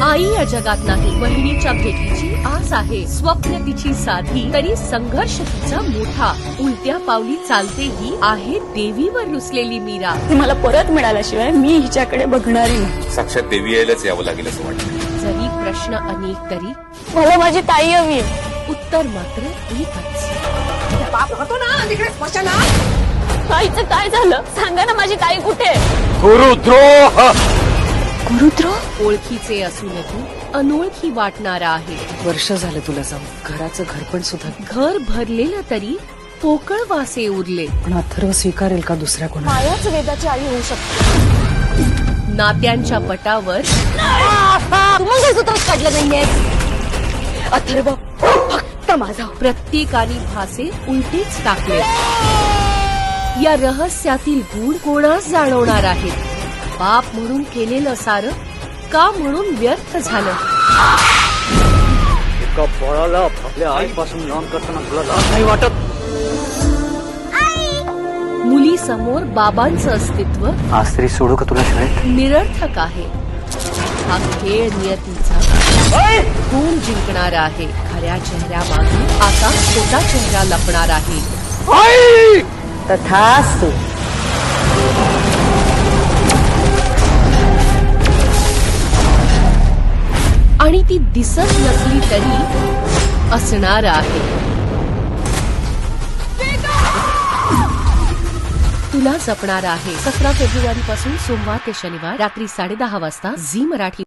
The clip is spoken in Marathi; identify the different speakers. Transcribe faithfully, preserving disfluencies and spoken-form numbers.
Speaker 1: आई या जगात नाही, बहिणीच्या भेटीची आस आहे. स्वप्न तिची साधी, तरी संघर्ष तिचा मोठा. उलट्या पावली चालते ही आहे देवीवर रुसलेली मीरा.
Speaker 2: ती मला परत मिळाल्याशिवाय मी हिच्याकडे बघणारी नाही.
Speaker 3: साक्षात देवी यायलाच यावं लागेल असं वाटतं.
Speaker 1: जरी प्रश्न अनेक तरी
Speaker 2: मला माझी ताई हवी आहे.
Speaker 1: उत्तर मात्र एकच.
Speaker 2: ताईचं काय झालं सांगा ना, माझी ताई कुठे?
Speaker 3: गुरुद्रोह.
Speaker 2: गुरुद्रोह?
Speaker 1: ओळखीचे असूनही अनोळखी वाटणारा आहे.
Speaker 4: वर्ष झालं तुला जाऊन, घराचं घरपण सुद्धा.
Speaker 1: घर भरलेलं तरी पोकळ वासे उरले.
Speaker 4: पण अथर्व स्वीकारेल का दुसऱ्या कोणा?
Speaker 2: मायाच वेदाची आई होऊ शकते.
Speaker 1: नात्यांच्या पटावर
Speaker 2: तू मंगळसूत्रच काढलं नाहीये. अथर्व फक्त माझा.
Speaker 1: प्रत्येकाने भासे उलटेच टाकले. या रहस्यातील गूढ कोणास जाणवणार आहेत? बाप म्हणून केलेलं सारं का म्हणून व्यर्थ झालं?
Speaker 5: एका बाळाला आपल्या आईपासून लहान करताना तुला लाज नाही वाटत?
Speaker 1: मुली समोर बाबांचं अस्तित्व
Speaker 5: आज तरी सोडू का तुला शाळेत?
Speaker 1: निरर्थक आहे. हा खेळ नियतीचा गुण जिंकणारा आहे. खऱ्या चेहऱ्यामागे आता खोटा चेहरा लपणार आहे.
Speaker 4: तथास्तु.
Speaker 1: आणि ती दिसत नसली तरी असणार आहे. तुला जपणार आहे. सतरा फेब्रुवारी पासून सोमवार ते शनिवार रात्री साडे दहा वाजता झी मराठी.